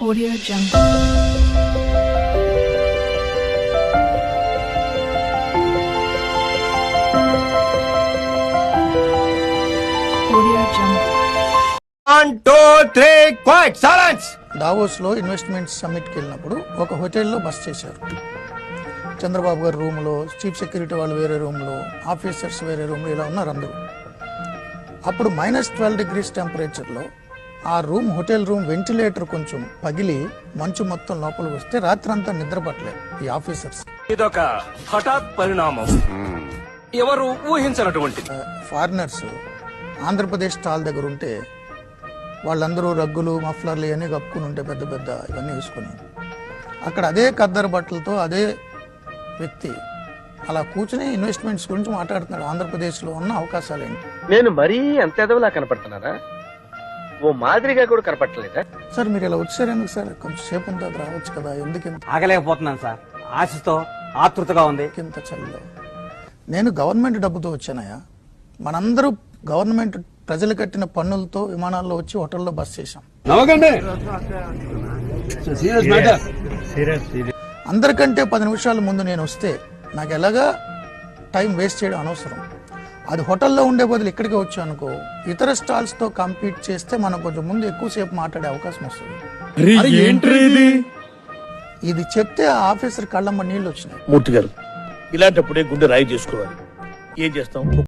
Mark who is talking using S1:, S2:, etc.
S1: Audio Jungle. Audio Jungle.
S2: 1, 2, 3, quiet, silence!
S3: దావోస్లో investment సమ్మిట్కి వెళ్ళినప్పుడు ఒక హోటల్లో బస్ చేశారు. చంద్రబాబు గారి రూమ్లో, చీఫ్ సెక్యూరిటీ వాళ్ళు వేరే రూమ్లో, ఆఫీసర్స్ వేరే రూమ్లో ఇలా ఉన్నారు అందరూ. అప్పుడు -12 టెంపరేచర్లో ఆ రూమ్, హోటల్ రూమ్ వెంటిలేటర్ కొంచెం పగిలి మంచు మొత్తం లోపలికి వస్తే రాత్రంతా నిద్ర పట్టలేదు ఈ ఆఫీసర్స్.
S4: ఇదొక హఠాత్ పరిణామం, ఎవరు ఊహించినటువంటిది.
S3: ఫారినర్స్ ఆంధ్రప్రదేశ్ స్టాల్ దగ్గర ఉంటే వాళ్ళందరూ రగ్గులు, మఫ్లర్లు ఇవన్నీ కప్పుకుని ఉంటే పెద్ద పెద్ద ఇవన్నీ వేసుకుని అక్కడ అదే ఖద్దరు బట్టలతో అదే వ్యక్తి అలా కూర్చుని ఇన్వెస్ట్మెంట్స్ గురించి మాట్లాడుతున్నాడు. ఆంధ్రప్రదేశ్లో ఉన్న అవకాశాలు ఏంటి?
S5: నేను మరీ అంత ఎదవలా కనపడుతున్నారా? ఓ మాదిరిగా కూడా కనపడలేదా?
S3: సార్ మీరు ఇలా వచ్చారు ఎందుకు సార్? కొంచెం సేపు అంతా రావచ్చు కదా, ఎందుకు
S6: ఆగలేకపోతున్నాను సార్, ఆశతో ఆతృతగా ఉంది.
S3: ఇంత చలిలో? నేను గవర్నమెంట్ డబ్బుతో వచ్చానయ్యా. మనందరూ గవర్నమెంట్ ప్రజలు కట్టిన పన్నులతో విమానాల్లో వచ్చి హోటల్లో బస్ చేశాం. అందరికంటే 10 నిమిషాల ముందు నేను వస్తే నాకు ఎలాగా టైం వేస్ట్ చేయడం అనవసరం. అది హోటల్లో ఉండే బదులు ఇక్కడికి వచ్చా అనుకో, ఇతర స్టాల్స్తో కంపీట్ చేస్తే మనం కొంచెం ముందు ఎక్కువసేపు మాట్లాడే అవకాశం వస్తుంది. ఇది చెప్తే ఆ ఆఫీసర్ కళ్ళమ్మ నీళ్ళు వచ్చినాయి.
S7: మూర్తి గారు, ఇలాంటప్పుడే గుండె రాయి చేసుకోవాలి. ఏం చేస్తాం?